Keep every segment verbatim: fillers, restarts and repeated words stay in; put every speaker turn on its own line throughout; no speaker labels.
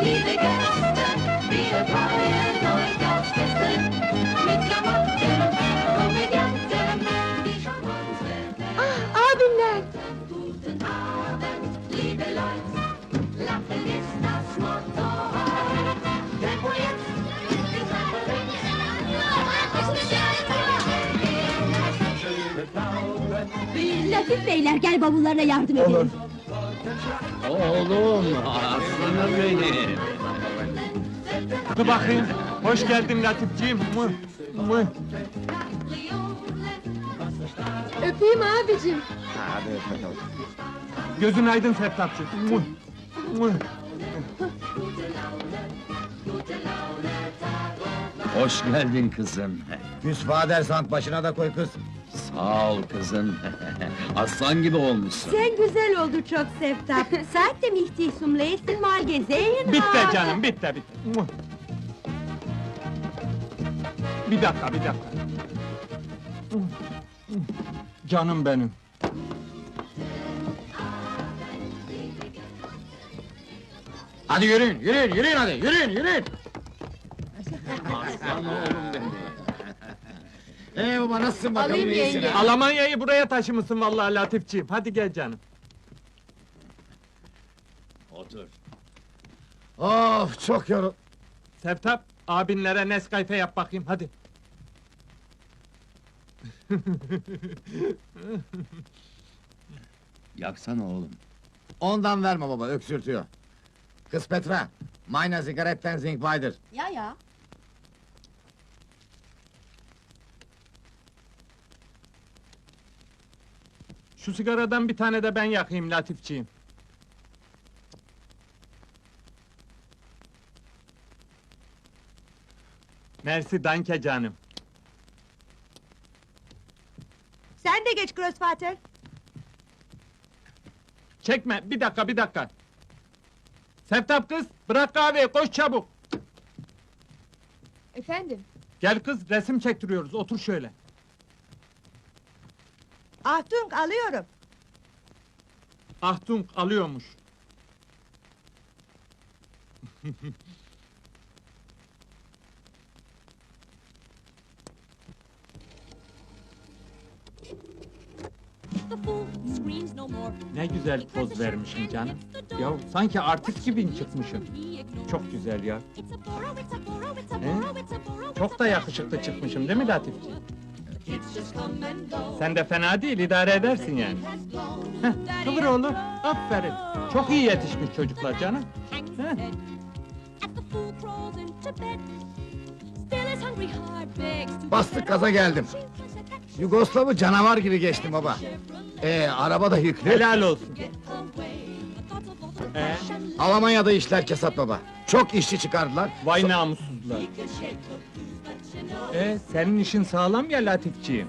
liebe Gäste, wir freuen euch aufs Beste. Mit Klamotten, Komödianten, die schon unsere
Ah, abimler!
Guten Abend, liebe Leute, Lachen ist das Motto heute. Tempo jetzt, die Treppe
Latif beyler, gel bavullarına yardım edelim.
Olur.
Oğlum, aslanım benim!
Dur bakayım. Hoş geldin Latifciğim. Mıh, mıh.
Öpeyim abicim.
Hadi öp bakalım.
Gözün aydın Seftapçı. Mıh, mıh.
Hoş geldin kızım.
Küs Vadersand başına da koy kız.
Sağ ol kızım. Aslan gibi olmuşsun.
Sen güzel oldu çok Seftap. Seitdem ich dich zum letzten Mal gesehen
Bitti
habe.
canım, bitti, bitti. Mıh. Bir dakika, bir dakika. Mıh, mıh. Canım benim.
Hadi yürüyün, yürüyün, yürüyün hadi, yürüyün, yürüyün!
Aslan oğlum benim.
Ee baba nasılsın bakalım,
Alayım
iyisin
yenge.
ha?
Almanya'yı buraya taşımışsın vallahi Latifciğim. Hadi gel canım.
Otur.
Of çok yorul...
Seftap, abinlere Nescafe yap bakayım, hadi.
Yaksana oğlum.
Ondan verme baba, öksürtüyor. Kız Petra, meine Zigaretten sind weiter.
Ya ya.
Şu sigaradan bir tane de ben yakayım Latifciğim. Mersi danke canım.
Sen de geç Grossvater.
Çekme, bir dakika, bir dakika. Seftap kız, bırak kahveyi, koş çabuk.
Efendim?
Gel kız, resim çektiriyoruz, otur şöyle.
Achtung, alıyorum.
Ahtung alıyormuş.
The fool screams no more.
Ne güzel poz vermişim canım. Ya sanki artist gibi çıkmışım. Çok güzel ya.
It's a borrow, it's a borrow, it's a
He?
borrow, it's a borrow.
Çok da yakışıklı çıkmışım değil mi Latifci?
Kids just come and go.
Sen de fena değil, idare edersin yani. Heh, kıvır oğlum, aferin. Çok iyi yetişmiş çocuklar canım.
Hangs his
Heh.
head as the fool crawls into bed. Still his hungry heart begs to
Bastık gaza geldim. Yugoslav'ı canavar gibi geçtim baba. Ee, araba da yüklü.
Helal olsun. Ee,
Almanya'da işler kesat baba. Çok işçi çıkardılar.
vay namussuzlar. Ee, senin işin sağlam ya Latifciğim.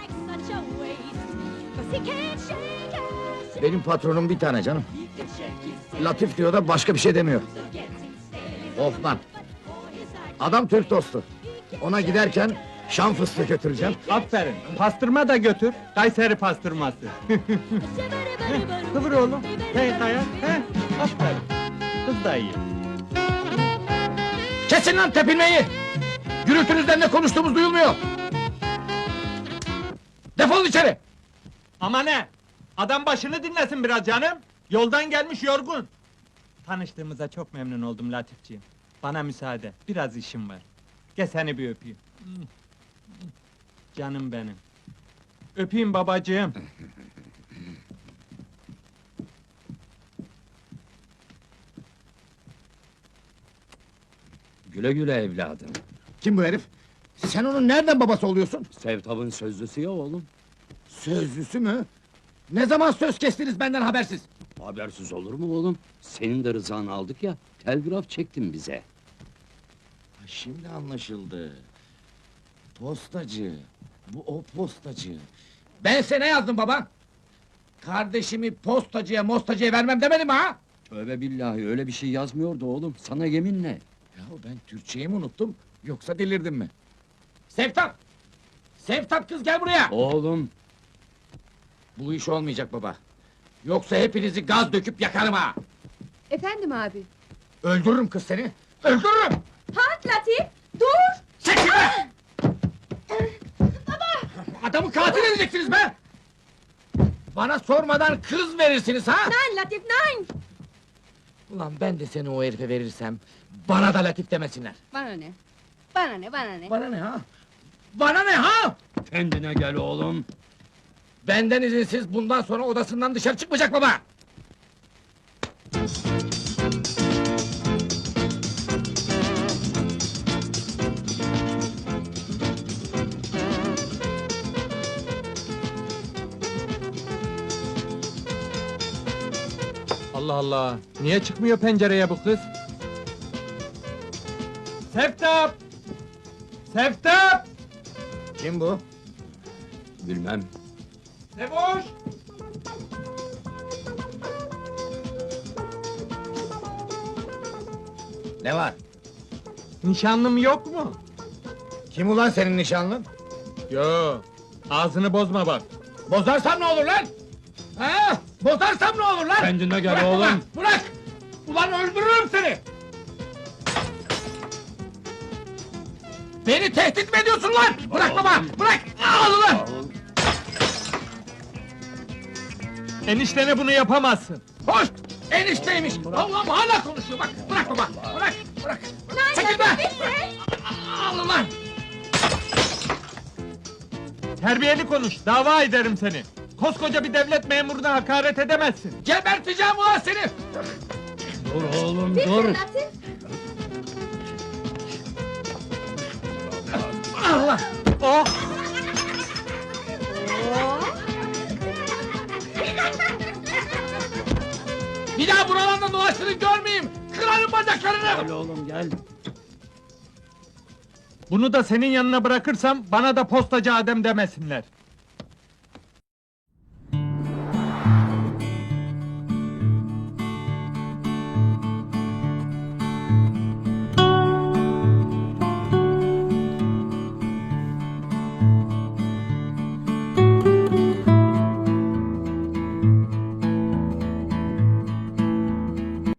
Benim patronum bir tane canım. Latif diyor da başka bir şey demiyor. Hoffman. Adam Türk dostu. Ona giderken Şam fıstığı götüreceğim.
Aferin, pastırma da götür, Kayseri pastırması. Heh, kıvır oğlum, hey kaya, he, aferin. Kız da iyi.
Kesin lan tepinmeyi! Gürültünüzden ne konuştuğumuz duyulmuyor! Defolun içeri!
Ama ne? Adam başını dinlesin biraz canım. Yoldan gelmiş yorgun. Tanıştığımıza çok memnun oldum Latifciğim. Bana müsaade, biraz işim var. Gel seni bir öpeyim. Canım benim. Öpeyim babacığım.
Güle güle evladım.
Kim bu herif? Sen onun nereden babası oluyorsun?
Sevtab'ın sözlüsü ya oğlum.
Sözlüsü mü? Ne zaman söz kestiniz benden habersiz?
Habersiz olur mu oğlum? Senin de rızanı aldık ya, telgraf çektin bize.
Şimdi anlaşıldı. Postacı. Bu o postacı. Ben sana ne yazdım baba? Kardeşimi postacıya mostacıya vermem demedim ha?
Tövbe billahi, öyle bir şey yazmıyordu oğlum, sana yeminle.
Yahu ben Türkçeyi mi unuttum, yoksa delirdim mi? Sevtap! Sevtap kız gel buraya!
Oğlum,
Bu iş olmayacak baba. Yoksa hepinizi gaz döküp yakarım ha!
Efendim abi?
Öldürürüm kız seni! Öldürürüm!
Halt Latif! Dur!
Çekil be! Adamı katil edeceksiniz be! Bana sormadan kız verirsiniz ha?
Nein Latif, nein!
Ulan ben de seni o herife verirsem, bana da Latif demesinler.
Bana ne? Bana ne, bana ne?
Bana ne ha? Bana ne ha?
Kendine gel oğlum.
Benden izinsiz bundan sonra odasından dışarı çıkmayacak baba!
Allah Allah! Niye çıkmıyor pencereye bu kız? Seftap! Seftap!
Kim bu?
Bilmem.
Sevoş!
Ne var?
Nişanlım yok mu?
Kim ulan senin nişanlın?
Yo, ağzını bozma bak.
Bozarsam ne olur lan? Ha? Bozarsam ne olur lan?
Kendine gel
Bırak
oğlum.
ulan, bırak! Ulan öldürürüm seni! Beni tehdit mi ediyorsun lan? Bırak baba, bırak! Al ulan!
Eniştene bunu yapamazsın.
Hoş! Enişteymiş! Allah'ım hala konuşuyor bak! Bırak baba, bırak, bırak! Çekil be! Al ulan!
Terbiyeli konuş, dava ederim seni. Koskoca bir devlet memuruna hakaret edemezsin.
Geberteceğim ulan seni!
Dur oğlum
Bitte
dur.
Latif!
Allah!
Oh!
Bir daha buralarda dolaştığını görmeyeyim! Kırarım bacaklarını!
Gel oğlum gel.
Bunu da senin yanına bırakırsam bana da postacı Adem demesinler.